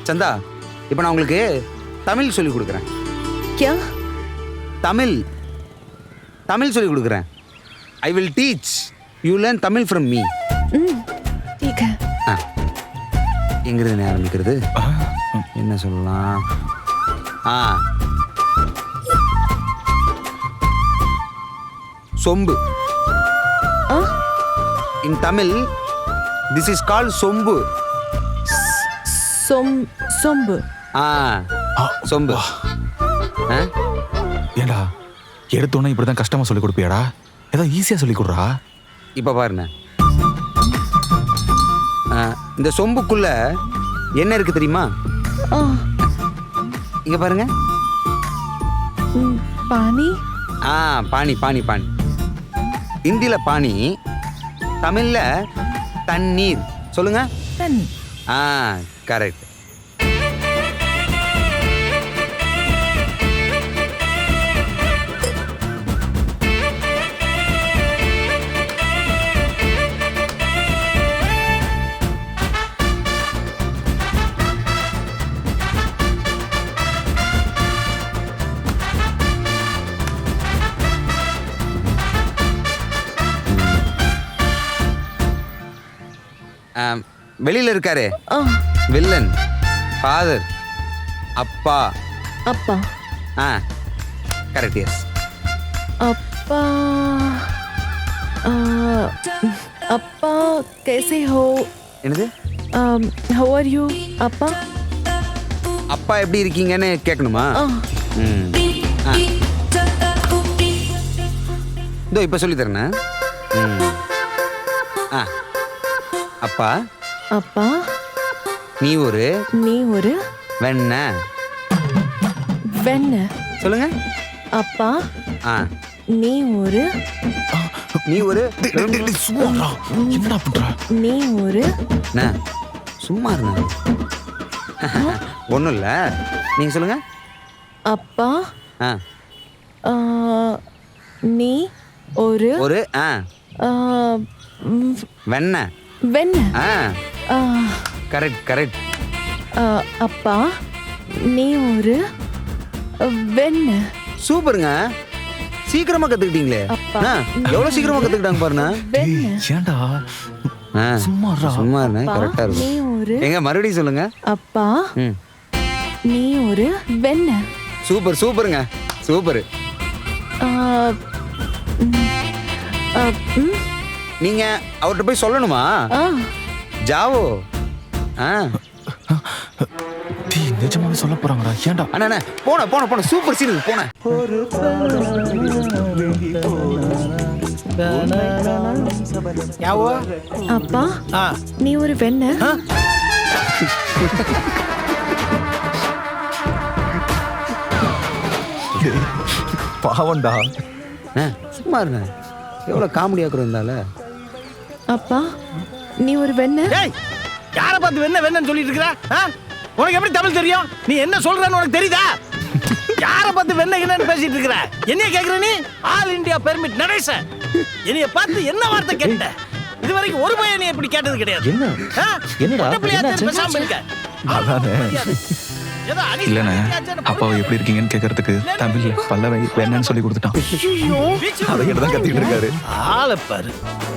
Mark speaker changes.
Speaker 1: சந்தா, இப்போ நான் உங்களுக்கு தமிழ் சொல்லி கொடுக்குறேன்.
Speaker 2: क्या
Speaker 1: தமிழ் தமிழ் சொல்லி கொடுக்குறேன். I will teach you learn Tamil from me.
Speaker 2: ठीक है.
Speaker 1: எங்கிருந்து ஆரம்பிக்கிறது? என்ன சொல்லலாம்? சொம்பு. In Tamil this is called sombu.
Speaker 2: சொம்பு.
Speaker 1: சொம்பு.
Speaker 3: ஏண்டா எடுத்தோன்னே இப்படிதான் கஷ்டமா சொல்லி கொடுப்பியாடா? ஏதோ ஈஸியா சொல்லி கொடுறா.
Speaker 1: இப்போ பாருங்க, இந்த சொம்புக்குள்ள என்ன இருக்கு தெரியுமா? இங்க பாருங்க.
Speaker 2: पानी.
Speaker 1: பானி பானி பானி. ஹிந்தில பானி, தமிழ்ல தண்ணீர். சொல்லுங்க.
Speaker 2: தண்ணி.
Speaker 1: கரெக்ட். வெளியில இருக்காரு வில்லன். ஃபாதர், அப்பா.
Speaker 2: அப்பா.
Speaker 1: கரெக்ட். எஸ்.
Speaker 2: அப்பா. அப்பா कैसे हो?
Speaker 1: என்னது?
Speaker 2: how are you? அப்பா.
Speaker 1: அப்பா எப்படி இருக்கீங்கன்னு கேட்கணுமா? இதோ இப்ப சொல்லி தரேன். அப்பா.
Speaker 2: அப்பா.
Speaker 1: நீ ஒரு வெண்ண. சொல்லுங்க.
Speaker 2: அப்பா. நீ ஒரு
Speaker 3: என்னடா பண்ற?
Speaker 2: நீ ஒரு
Speaker 1: சும்மா இருங்க. ஒண்ணும் இல்ல, நீங்க சொல்லுங்க.
Speaker 2: அப்பா. நீ ஒரு
Speaker 1: வெண்ண. Correct correct.
Speaker 2: அப்பா நீ ஒரு வெண்ண.
Speaker 1: சூப்பருங்க, சீக்கிரமா கத்துக்கிட்டீங்களே. எவ்வளவு சீக்கிரமா கத்துக்கிட்டாங்க பாருங்க.
Speaker 3: ஏண்டா சும்மா
Speaker 1: இருங்க, கரெக்டா இருக்கும். எங்க மறுபடியும் சொல்லுங்க.
Speaker 2: அப்பா நீ ஒரு வெண்ண.
Speaker 1: சூப்பர் சூப்பருங்க, சூப்பர். நீங்க அவர்கிட்ட போய் சொல்லணுமா? ஜாவோ.
Speaker 3: நிஜமாவே சொல்ல போறாங்கடா. ஏண்டா
Speaker 1: அண்ணா போன சூப்பர் சீன் போன.
Speaker 2: அப்பா நீ ஒரு வெண்ண.
Speaker 3: பாவண்டா.
Speaker 1: சும்மா இருங்க, எவ்வளவு காமெடியா இருந்தால.
Speaker 2: அப்பா நீ ஒரு வெண்ண.
Speaker 4: யார பார்த்து வெண்ணன்னு சொல்லிட்டு இருக்கற? உனக்கு எப்படி தமிழ் தெரியும்? நீ என்ன சொல்றன்னு உனக்கு தெரியுதா? யார பார்த்து வெண்ணன்னு பேசிட்டு இருக்கற? என்னைய கேக்குற நீ? ஆல் இந்தியா பெர்மிட் நடேச. என்னைய பார்த்து என்ன வார்த்தை கேட்ட? இதுவரைக்கும் ஒரு பையன் நீ இப்படி கேட்டது கிடையாது.
Speaker 3: என்னடா
Speaker 4: பேசாம இருக்க.
Speaker 3: இல்லண்ணே, அப்பாவை எப்படி இருக்கீங்கன்னு கேட்கறதுக்கு தமிழ்ல பல்லவை வேணான்னு சொல்லி கொடுத்துட்டான். அதை தான் கத்திட்டு இருக்காரு.
Speaker 4: ஆளை பாரு.